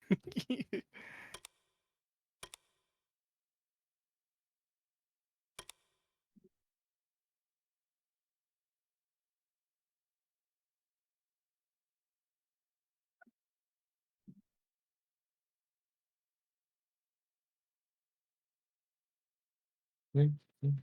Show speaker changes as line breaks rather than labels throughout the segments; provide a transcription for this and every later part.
응? 응.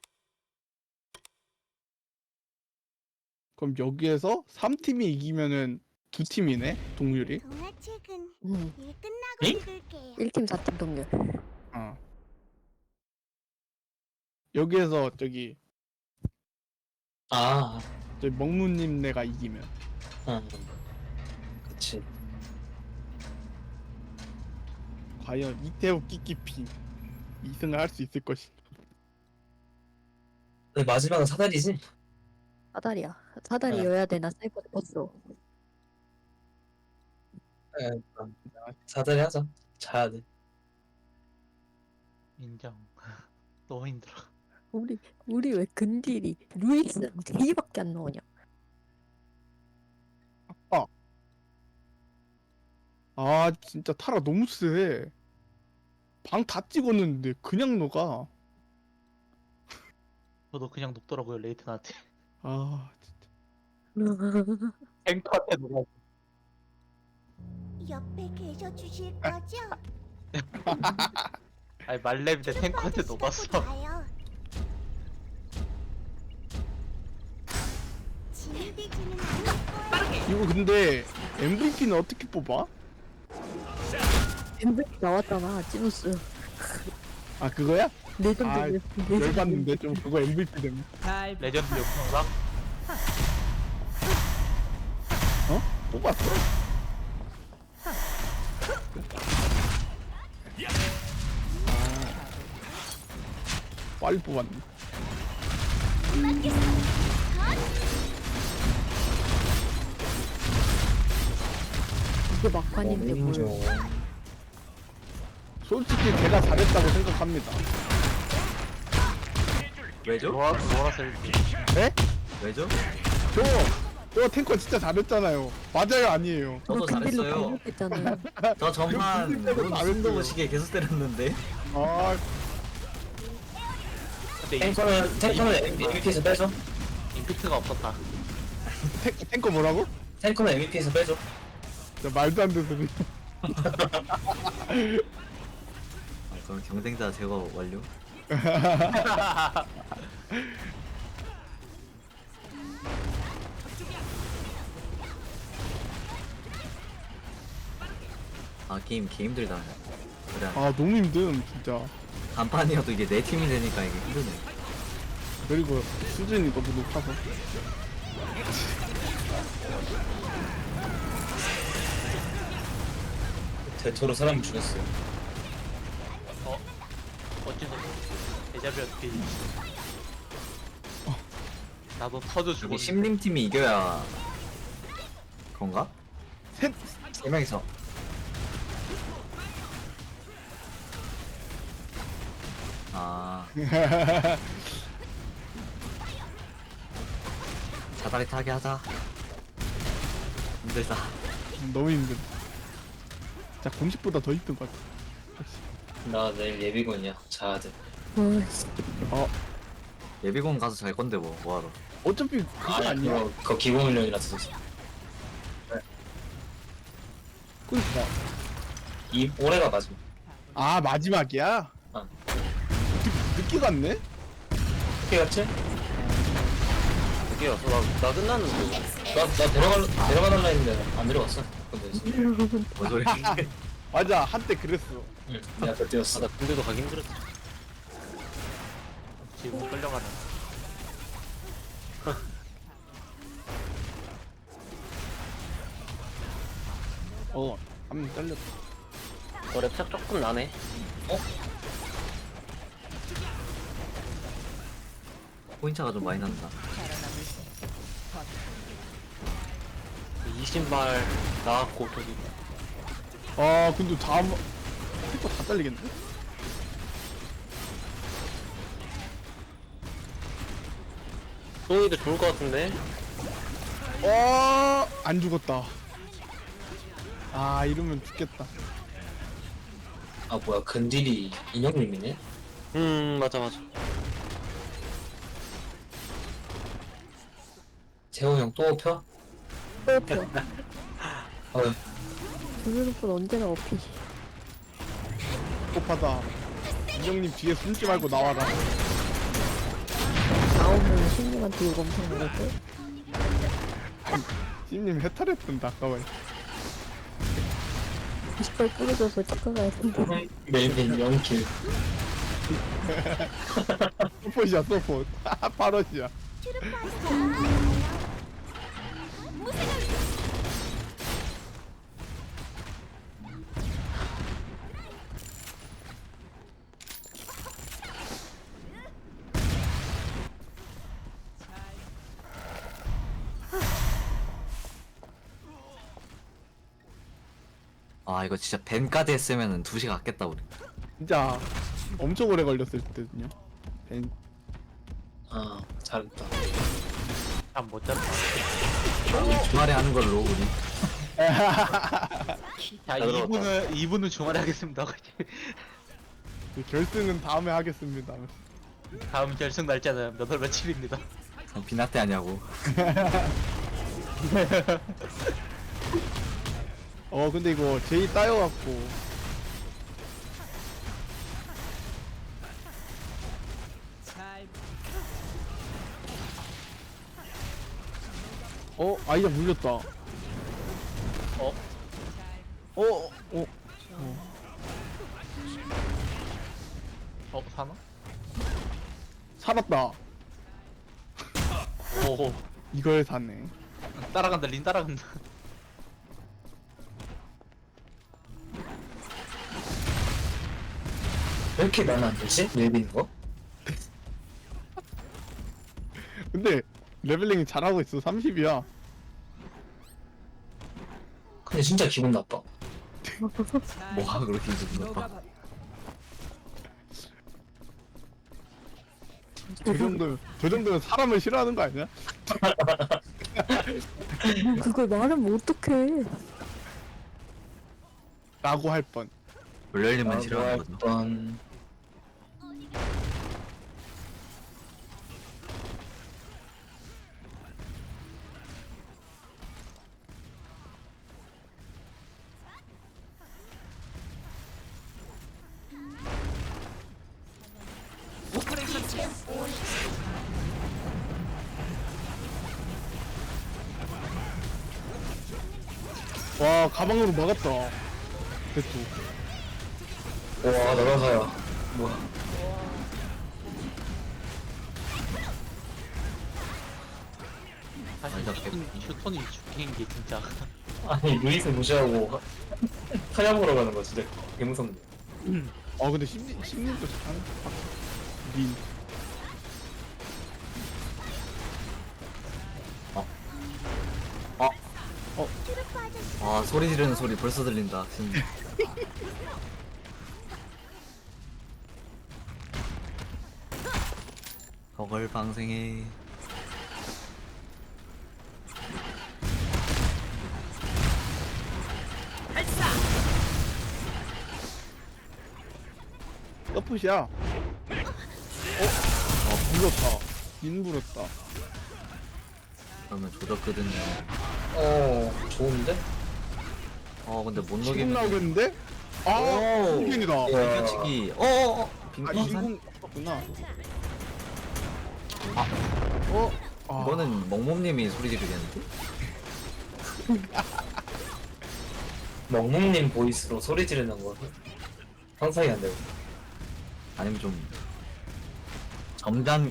그럼 여기에서 3팀이 이기면은 2팀이네 동률이.
동화책은 일 끝나고
응?
읽을게요.
1팀 4팀 동률.
어. 여기에서 저기
아,
먹무님네가 이기면
응. 그치.
과연 이태호 끼끼핑 2승을 할 수 있을 것인가.
근데 마지막은 사다리지?
사다리야. 사다리여야 되나 사이코드 버스로.
응. 사다리 하자. 자야 돼.
인정. 너무 힘들어.
우리 왜 근딜이 루이스랑 제이밖에 안 나오냐?
아 진짜 타라 너무 세. 방 다 찍었는데 그냥 녹아.
저도 그냥 녹더라고요, 레이튼한테.
아 진짜.
탱커한테 녹아.
옆에 계셔 주실 거죠?
아니, 말렙인데 탱커한테 녹았어.
자요. 진이되지는 않을 거예요.
이거 근데 MVP는 어떻게 뽑아?
MVP 나왔잖아. 찌누스.
아 그거야?
레전드.
아,
레전드.
열받는데 좀 그거 MVP 되면.
레전드 역풍상?
어? 뽑았어? 빨리 뽑았네.
이게 막판인데 뭘.
솔직히 제가 잘했다고 생각합니다.
왜죠?
로라스 1등.
네?
왜죠?
저 탱커 진짜 잘했잖아요. 맞아요, 아니에요.
저도
근딜로
잘했어요.
강력했잖아요.
저 전반
근데 잘했어요.
순도무시게 계속 때렸는데.
아,
근데
탱커는 MVP에서 빼줘.
임팩트가 없었다.
탱커 뭐라고?
탱커는 MVP에서 빼줘.
진짜 말도 안 되는 소리.
그럼 경쟁자 제거 완료. 아 게임 개 힘들다. 그래.
아, 너무 힘듦, 진짜.
간판이어도 이게 내 팀이 되니까 이게 힘드네.
그리고 수준이 너무 높아서.
대토로 사람을 죽였어요.
어째서 데자뷰 어떻게 나도 터져
여기
죽었는데.
심림 팀이 이겨야 그런가?
셋!
세 명이서.
아 사다리 타게 하자. 힘들다.
너무 힘듦. 자, 공식보다 더 힘든 것 같아.
나 내일 예비군이야. 자야 돼.
어이씨.
예비군 가서 잘 건데 뭐하러.
어차피 그거 아니야.
그거 기본 훈련이라서.
그니까.
이 올해가 마지막.
아, 마지막이야?
어.
늦게 갔네?
어떻게 갔지?
그게 왔어. 나 끝났는데.
나 데려가달라 했는데 안 데려갔어. 근데
뭔 소리?
맞아, 한때 그랬어.
응, 내가 그때 뛰었어.
나 군대도 가기 힘들었지.
지금 끌려가는.
한명 잘렸다.
랩착 조금 나네.
포인트가 좀 많이 난다.
이 신발 나왔고 저기
아, 근데 다음, 탱커 다 잘리겠네?
소이도 좋을 것 같은데.
안 죽었다. 아 이러면 죽겠다.
아 뭐야 근딜이 인형님이네?
맞아 맞아.
재호 형 또 펴?
뼈뼈.
어,
블루루폰 언제나 어피지.
급하다. 이형님 뒤에 숨지 말고 나와라.
나오면 신님한테 이거 엄청 먹을 걸?
찜님 해탈했던다 아까워.
20발 뿌려줘서 치과 가야 된다.
멜빈 0킬.
서폿이야 서폿. 파럿이야.
아 이거 진짜 벤까지 했으면은 2시간 갔겠다 우리.
진짜 엄청 오래 걸렸을 때든요. 벤-
아 잘했다.
참못 잡다.
주말에 하는 걸로 우리.
자,
들어갔다.
2분은 주말에 하겠습니다.
결승은 다음에 하겠습니다.
다음 결승 날짜는 몇 월 며칠입니다.
비나테 아니냐고.
근데 이거 제이 따여갖고 아이자 물렸다.
사나?
살았다.
오,
이걸 사네.
따라간다. 린 따라간다.
왜 이렇게 많아 안 되지? 멜빈 거?
근데 레벨링이 잘하고 있어. 30이야.
근데 진짜 기분 나빠.
뭐가 그렇게 기분 나빠.
저 정도면 사람을 싫어하는 거 아니야?
뭐 그걸 말하면 어떡해.
라고 할 뻔.
물열님만 싫어하는 거죠.
번.
와 가방으로 막았다. 대투.
와 날아가야. 뭐야?
사실
아니다,
휴톤이 죽인 게 진짜.
아니 루이스 무시하고 타협으로 가는 거 진짜 개무섭네.
근데 심리도 잘하네. 린.
아 소리 지르는 소리 벌써 들린다. 진짜. 저걸 방생해.
서폿이야. 물었다. 린 물었다.
그러면 조졌거든요.
좋은데?
근데 못
지금
녹이면.
나오겠는데?
오!
빈균이다.
비켜치기. 어어어. 빙판.
인공 없구나.
이거는 멍몸님이 소리 지르겠는데?
멍멍님 보이스로 소리 지르는 거 상상이 안 되고.
아니면 좀 점잖.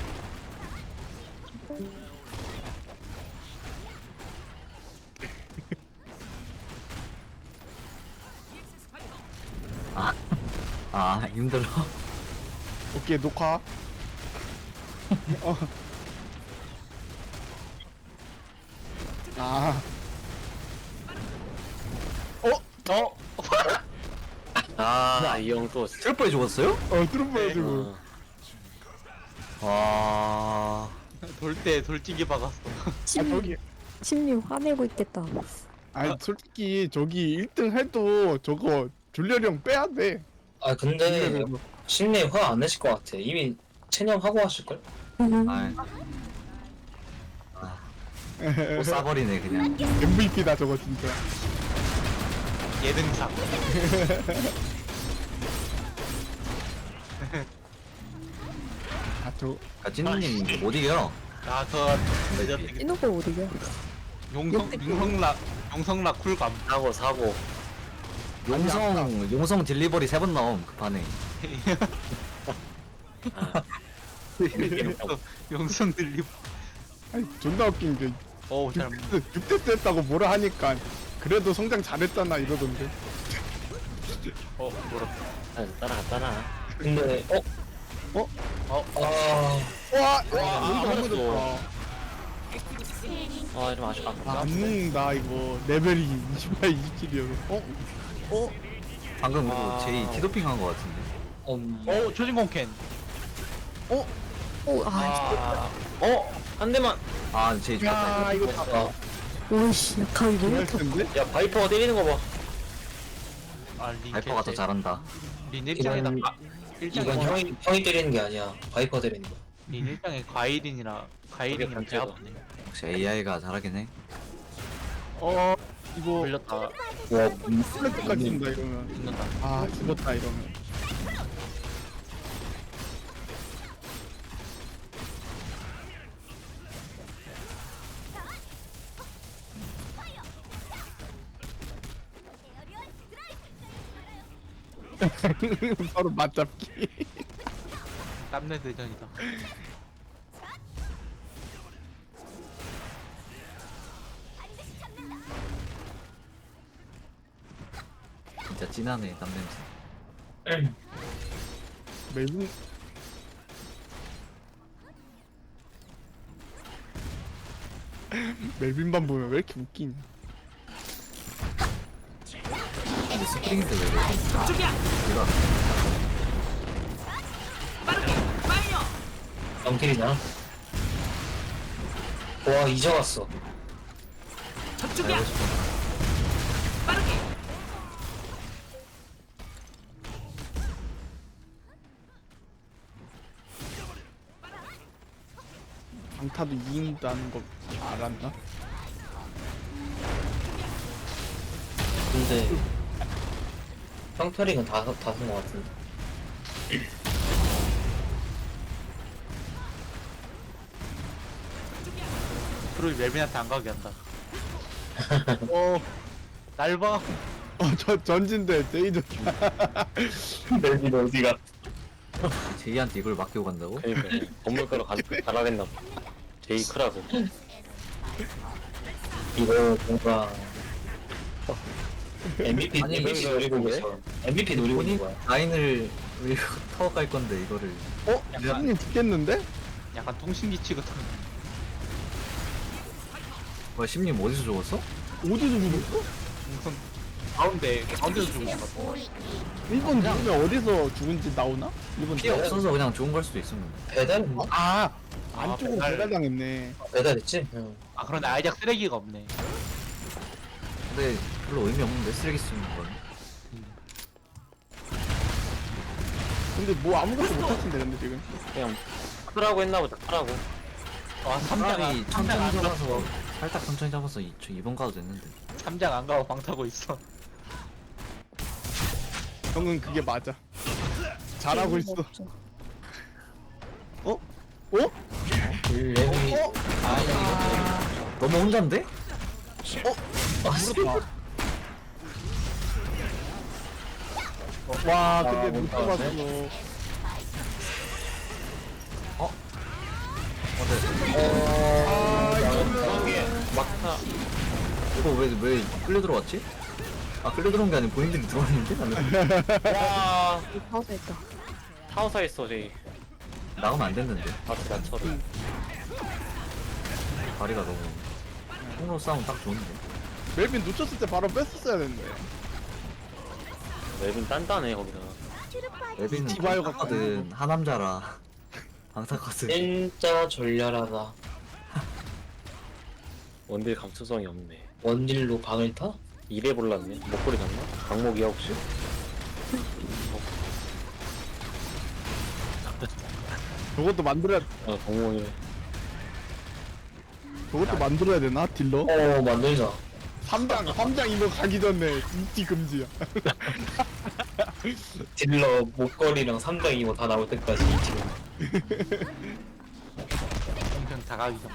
힘들어.
오케이 녹화.
이 형 또.
트래퍼에 죽었어요?
트루퍼가지고.
와.
돌 때 돌진기 박았어.
저기
심리 화내고 있겠다.
아니 솔직히 저기 1등 해도 저거 줄리얼이 형 빼야 돼.
아 근데 신내 화 안 내실 것 같아. 이미 체념하고 하실걸?
아, 또 싸버리네 그냥.
MVP다 저거 진짜.
예능상.
아저
아, 찐님 못 이겨.
아, 그거
이노가 어디야?
용성락 쿨감.
사고.
용성 딜리버리 3번 나옴 그 판에.
용성 들리.
아니 존나 웃긴 게
어우, 잘.
6대 때 했다고 뭐라 하니까 그래도 성장 잘했잖아 이러던데.
뭐라.
따라갔잖아.
근데
와,
아,
너무 좋다.
아, 좀 아쉽다.
안 먹는다 이거 레벨이 28, 27이어서.
방금
아.
그거 제이 티도핑 한 거 같은데.
초진공 캔.
오, 아,
한 대만.
아 제이 죽었다
야
이거.
이거 다
오이씨, 각이 너무
정말
터
센데?
야, 바이퍼가 때리는 거 봐.
아, 린.
바이퍼가 더 잘한다.
린 일장에다.
이건
일장에
형이 때리는 게 아니야. 바이퍼 때리는 거.
린 일장에 과일인이랑 과일이랑 배 아프네.
역시 AI가 잘하긴 해.
이거
걸렸다.
와,
플랫까지 준다 이러면.
죽는다.
아 죽었다 이러면. 바로 맞잡기.
땀내 대전이다.
진짜 진하네 땀 냄새.
멜빈 멜빈만 보면 왜 이렇게 웃기냐?
근데 스프링인데 왜 이래? 이거
영킬이냐? 와, 잊어갔어.
알고 싶어.
강타도 이긴다는 거 알았나?
근데 형터링은 다쓴 거 같은데.
프로이 멜빈한테 안 가게 한다.
어,
날 봐.
저 전진대 제이드.
멜빈 어디가?
제이한테 이걸 맡기고 간다고?
그니까. 건물가로 가라겠나 봐. 제이 크라고.
이거 뭔가 MVP
아니,
MVP
이거
노리고
왜?
있어. MVP 노리고 있는
본인
거야.
라인을 왜 타워 깔 건데 이거를.
형님 죽겠는데?
약간 통신기치 같은.
뭐야 심님 어디서 죽었어?
어디서 죽었어?
무슨 가운데서 죽은 것 같아.
1번 죽으면 어디서 죽은지 나오나? 1번
피해 없어서 그냥 죽은 걸 수도 있었는데.
배달했나?
안쪽으로
배달.
배달당했네.
배달했지? 응.
아, 그런데 아이작 쓰레기가 없네.
근데 별로 의미 없는데 쓰레기 쓰는 건.
근데 뭐 아무것도 못하신데 근데 지금.
그냥 크라고 했나 보다, 크라고.
와,
차라리 천천히
안
잡아서
가고
살짝 천천히 잡아서 저 2번 가도 됐는데.
3장 안 가고 방 타고 있어.
형은 그게 맞아. 잘하고 있어. 어?
레벨이
너무 혼잔데?
무섭다. 와 근데 못 잡았어.
막타.
이거 왜 끌려 들어왔지? 아 끌려 들어온 게 아니고 본인들이 들어왔는데 나는
와.
파워했다.
타워사 있어, 제이.
나가면 안 됐는데.
바트 난처를.
다리가 너무 통로 싸움 딱 좋은데.
멜빈 놓쳤을 때 바로 뺐었어야 됐는데.
웹은 단단해, 거기다.
에비는
디바이오가
방타거든 하남자라 방타거든.
진짜 졸렬하다.
원딜 감수성이 없네.
원딜로 방을 타?
이래 볼랐네. 목걸이 샀나? 강목이야 혹시?
저것도 만들어야
아 강목이네.
저것도 만들어야 되나 딜러?
만들자.
3장 이거 가기 전에 인기 금지야.
딜러 목걸이랑 3장 이거 다 나올 때까지 지금.
평평 다가기 전.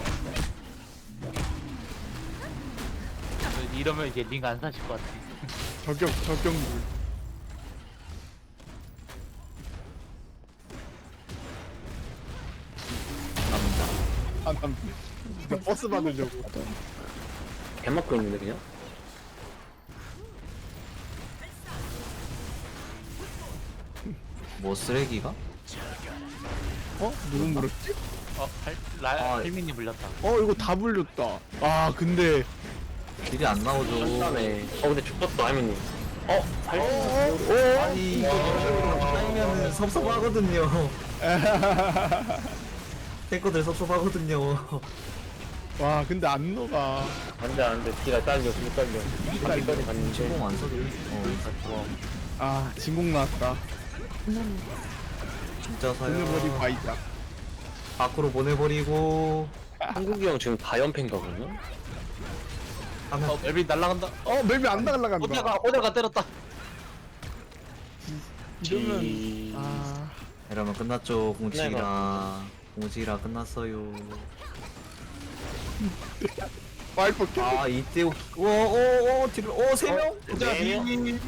이러면 이제 링 안 사실 것 같아.
저격물. 남. 진짜 버스 받으려고.
개막고 있는데 그냥?
뭐 쓰레기가?
누구 물었지?
아.
헬민이 물렸다.
이거 다 불렸다. 아 근데
딜이 안 나오죠.
딴다네. 근데 죽었다 하면님.
아니 이거 쌓이면은 섭섭하거든요. 탱커들 섭섭하거든요.
와 근데 안 녹아.
안돼 뒤가 딸려 뒤 딸려. 한기까지 갔는데.
진공 안 써도
좋아.
아 진공 나왔다.
진짜 사요.
보내버리고 아이자.
밖으로 보내버리고
한국이 형 지금 다 연패인가군요?
하면
멜빈 날라간다.
멜비 안 날라간다.
오데가 때렸다.
이러면
지...
이러면 끝났죠. 공치기라 끝났어요.
와이퍼 켜.
아 이때 오오오 뒤를 세 명.
네 명?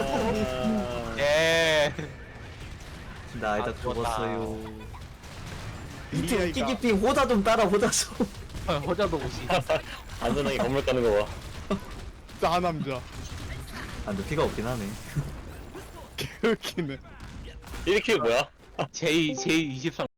예.
나 아이다
죽었다.
죽었어요. 이때
이게
웃기기 삥 호다 좀 따라 호다 좀.
호자도 오시.
안전하게 건물 까는 거 봐.
짜 남자.
아 근데 피가 없긴 하네.
개웃기네.
1킬 뭐야?
J23